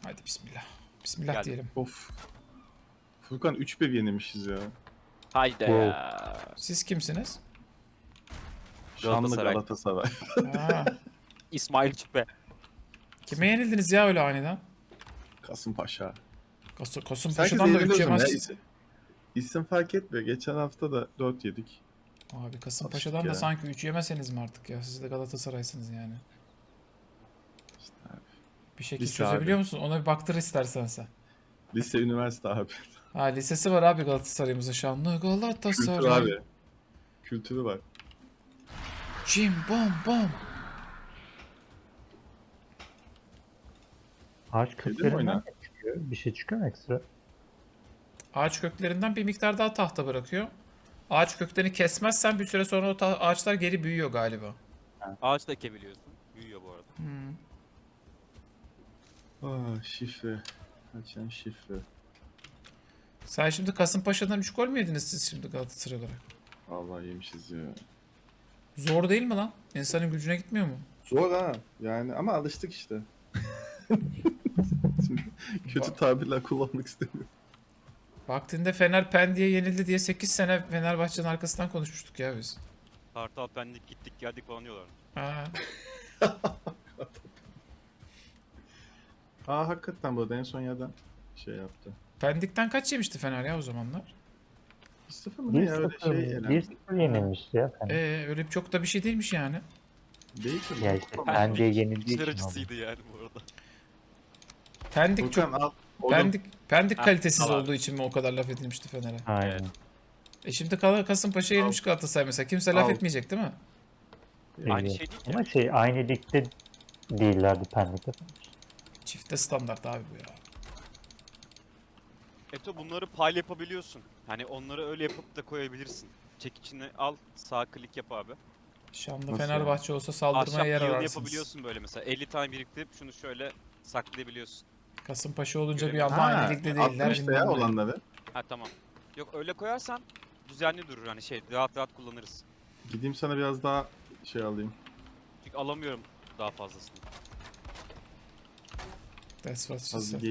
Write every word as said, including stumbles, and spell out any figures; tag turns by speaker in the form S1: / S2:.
S1: Hadi bismillah. Bismillah
S2: Geldim.
S1: diyelim.
S3: Of. Furkan üç bir yenilmişiz ya.
S2: Haydi
S4: Wow.
S2: ya.
S1: Siz kimsiniz?
S3: Şanlı
S2: Galatasaray.
S3: Galatasaray.
S1: Ha.
S2: İsmail Çipe.
S1: Kime yenildiniz ya öyle aniden?
S3: Kasımpaşa.
S1: Kas
S3: Sanki
S1: Kasımpaşa'dan da üç
S3: yeniliyorsun ya.
S1: yemez.
S3: İsim, isim fark etmiyor. Geçen hafta da dört yedik.
S1: Abi Kasımpaşa'dan
S3: Alıştık
S1: da
S3: ya.
S1: sanki üç yemeseniz mi artık ya? Siz de Galatasaray'sınız yani.
S3: İşte abi.
S1: Bir şekilde
S3: Lise
S1: çözebiliyor
S3: abi.
S1: musun? Ona bir baktır istersen sen.
S3: Lise, üniversite abi.
S1: Ha lisesi var abi Galatasaray'ımızın şanlı
S3: Kültürü
S1: Galatasaray.
S3: abi. Kültürü var.
S1: Cim bom bom.
S4: Ağaç
S3: mi
S4: köklerinden
S3: oynar?
S4: ne çıkıyor? Bir şey çıkıyor mu ekstra?
S1: Ağaç köklerinden bir miktar daha tahta bırakıyor. Ağaç köklerini kesmezsen bir süre sonra o ta- ağaçlar geri büyüyor galiba.
S2: Ağaç da ekebiliyorsun. Büyüyor bu arada.
S1: Hmm.
S3: Aa, şifre. Açan şifre.
S1: Sen şimdi Kasımpaşa'dan üç gol mü yediniz siz şimdi Galatasaray olarak?
S3: Vallahi yemişiz ya.
S1: Zor değil mi lan? İnsanın gücüne gitmiyor mu?
S3: Zor ha. Yani ama alıştık işte. Şimdi kötü tabirler kullanmak istemiyorum.
S1: Vaktinde Fener Pendik'e yenildi diye sekiz sene Fenerbahçe'nin arkasından konuşmuştuk ya biz.
S2: Kartal Pendik gittik geldik falan diyorlar.
S1: Ha.
S3: Aa hakikaten bu arada en son yerden şey yaptı.
S1: Pendik'ten kaç yemişti Fener ya o zamanlar?
S3: Bir sıfır mı ne
S4: bir
S3: ya öyle
S4: sıfır
S3: şey
S4: bir
S3: elendi.
S4: sıfır yenilmişti ya. Hani.
S1: Ee öyle çok da bir şey değilmiş yani.
S3: Değil ki.
S4: Ya işte bence yenildiği
S2: İçler
S4: için oldu.
S2: acısıydı yani bu arada.
S1: Pendik çok
S3: Furkan al. Oğlum,
S1: Pendik Pendik
S2: Ha,
S1: kalitesiz
S2: tamam.
S1: olduğu için mi o kadar laf edilmişti Fener'e?
S4: Aynen.
S2: Evet.
S1: E şimdi Kala- Kasımpaşa yenilmiş Galatasaray mesela. Kimse laf
S3: Al.
S1: etmeyecek değil mi?
S2: Aynı
S4: Evet.
S2: şey değil ki.
S4: Ama şey aynı ligde değillerdi Pendik'te.
S1: Çifte standart abi bu ya.
S2: Eto bunları payla yapabiliyorsun. Hani onları öyle yapıp da koyabilirsin. Çek içine al, sağ klik yap abi.
S1: Şanlı
S3: Nasıl
S1: Fenerbahçe olsa saldırmaya
S2: Ahşap
S1: yer
S2: yığını
S1: ararsınız.
S2: yapabiliyorsun böyle mesela. elli tane biriktirip şunu şöyle saklayabiliyorsun.
S1: Kasımpaşa olunca bir
S2: Göremiyorum.
S1: anda
S3: Ha,
S1: aynı ligde
S3: attım
S1: değiller.
S3: işte
S1: bilmem
S3: ya
S1: ne.
S3: olanları.
S2: Ha tamam. Yok öyle koyarsan düzenli durur hani şey rahat rahat kullanırız.
S3: Gideyim sana biraz daha şey alayım.
S2: Çünkü alamıyorum daha fazlasını.
S1: That's what she
S3: Az
S1: said.
S3: bir